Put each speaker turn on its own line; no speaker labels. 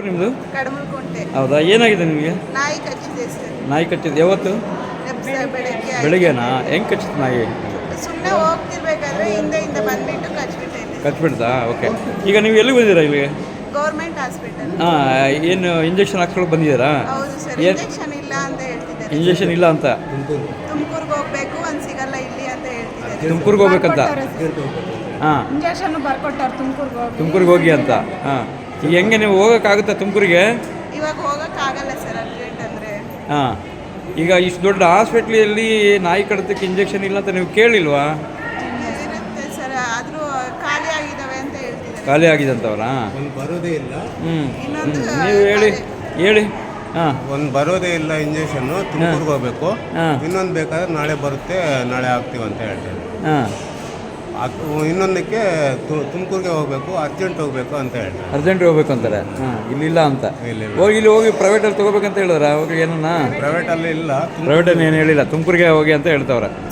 ನಿಮ್ಮದು?
ಕಡಮಲ್ಕುಂಟೆ.
ಹೌದಾ, ಏನಾಗಿದೆ ನಿಮಗೆ?
ನಾಯಿ ಕಚ್ಚಿದೆ ಸರ್.
ನಾಯಿ ಕಚ್ಚಿದ್ದು ಯಾವತ್ತು?
ಬೆಳಗ್ಗೆ
ಬೆಳಿಗ್ಗೆನಾ? ಹೆಂಗೆ ಕಚ್ಚಿತ್ತು ನಾಯಿ?
ಸುಮ್ಮನೆ ಹೋಗ್ತಿರ್ಬೇಕಾದ್ರೆ ಹಿಂದೆ ಬಂದ್ಬಿಟ್ಟು ಕಚ್ಬಿಟ್ಟೈತೆ.
ಕಚ್ಬಿಡ್ತಾ? ಓಕೆ. ಈಗ ನೀವು ಎಲ್ಲಿಗೆ ಬಂದಿದ್ದೀರಾ ಇಲ್ಲಿಗೆ?
Government hospital.
ಹಾಂ, ಏನು ಇಂಜೆಕ್ಷನ್ ಹಾಕ್ಸ್ಕೊಳಕ್ಕೆ ಬಂದಿದ್ದೀರಾ?
ಹೌದು ಸರ್.
ಏನು
ಇಂಜೆಕ್ಷನ್ ಇಲ್ಲ ಅಂತ ಹೇಳ್ತಿದ್ದಾರೆ.
ಇಂಜೆಕ್ಷನ್ ಇಲ್ಲ ಅಂತ?
ತುಮಕೂರ್ಗೆ ಹೋಗ್ಬೇಕು, ಒಂದು ಸಿಗಲ್ಲ ಇಲ್ಲಿ ಅಂತ ಹೇಳ್ತಿದ್ದಾರೆ.
ತುಮಕೂರ್ಗೆ ಹೋಗ್ಬೇಕಂತ? ಹಾಂ,
ಇಂಜೆಕ್ಷನ್ ಬರ್ಕೊಟ್ಟಾರೆ
ತುಮಕೂರಿಗೆ ಹೋಗಿ ಅಂತ. ಹಾಂ, ಈಗ ಹೆಂಗೆ ನೀವು ಹೋಗೋಕ್ಕಾಗುತ್ತಾ ತುಮಕೂರಿಗೆ?
ಇವಾಗ ಹೋಗೋಕ್ಕಾಗಲ್ಲ ಸರ್, ಅರ್ಜೆಂಟ್ ಅಂದರೆ.
ಹಾಂ, ಈಗ ಇಷ್ಟು ದೊಡ್ಡ ಹಾಸ್ಪಿಟ್ಲಲ್ಲಿ ನಾಯಿ ಕಡಿತಕ್ಕೆ ಇಂಜೆಕ್ಷನ್ ಇಲ್ಲ ಅಂತ ನೀವು ಕೇಳಿಲ್ವಾ?
ಇರುತ್ತೆ ಸರ್, ಆದರೂ ಖಾಲಿ ಆಗಿದ್ದಾವೆ ಅಂತ ಹೇಳ್ತಿದ್ದಾರೆ.
ಖಾಲಿ ಆಗಿದೆ ಅಂತವ್ರಾ?
ಬರೋದೇ ಇಲ್ಲ.
ಇನ್ನೊಂದು
ನೀವು ಹೇಳಿ. ಹಾಂ,
ಒಂದು ಬರೋದೇ ಇಲ್ಲ ಇಂಜೆಕ್ಷನ್ನು. ತುಮಕೂರ್ಗೆ ಹೋಗ್ಬೇಕು.
ಹಾಂ.
ಇನ್ನೊಂದು ಬೇಕಾದ್ರೆ ನಾಳೆ ಬರುತ್ತೆ, ನಾಳೆ ಹಾಕ್ತೀವಿ ಅಂತ ಹೇಳ್ತಾರೆ.
ಹಾಂ,
ಇನ್ನೊಂದಕ್ಕೆ ತುಮಕೂರಿಗೆ ಹೋಗ್ಬೇಕು, ಅರ್ಜೆಂಟ್ ಹೋಗ್ಬೇಕು ಅಂತ ಹೇಳ್ತಾರೆ.
ಅರ್ಜೆಂಟ್ ಹೋಗ್ಬೇಕು ಅಂತಾರೆ. ಹಾಂ, ಇಲ್ಲಿಲ್ಲ ಅಂತ.
ಇಲ್ಲ.
ಇಲ್ಲಿ ಹೋಗಿ ಪ್ರೈವೇಟಲ್ಲಿ ತೊಗೋಬೇಕಂತ ಹೇಳಿದ್ರ ಅವಾಗ ಏನನ್ನ?
ಪ್ರೈವೇಟಲ್ಲಿ ಇಲ್ಲ.
ಪ್ರೈವೇಟಲ್ಲಿ ಏನು ಹೇಳಿಲ್ಲ, ತುಮಕೂರಿಗೆ ಹೋಗಿ ಅಂತ ಹೇಳ್ತವ್ರೆ.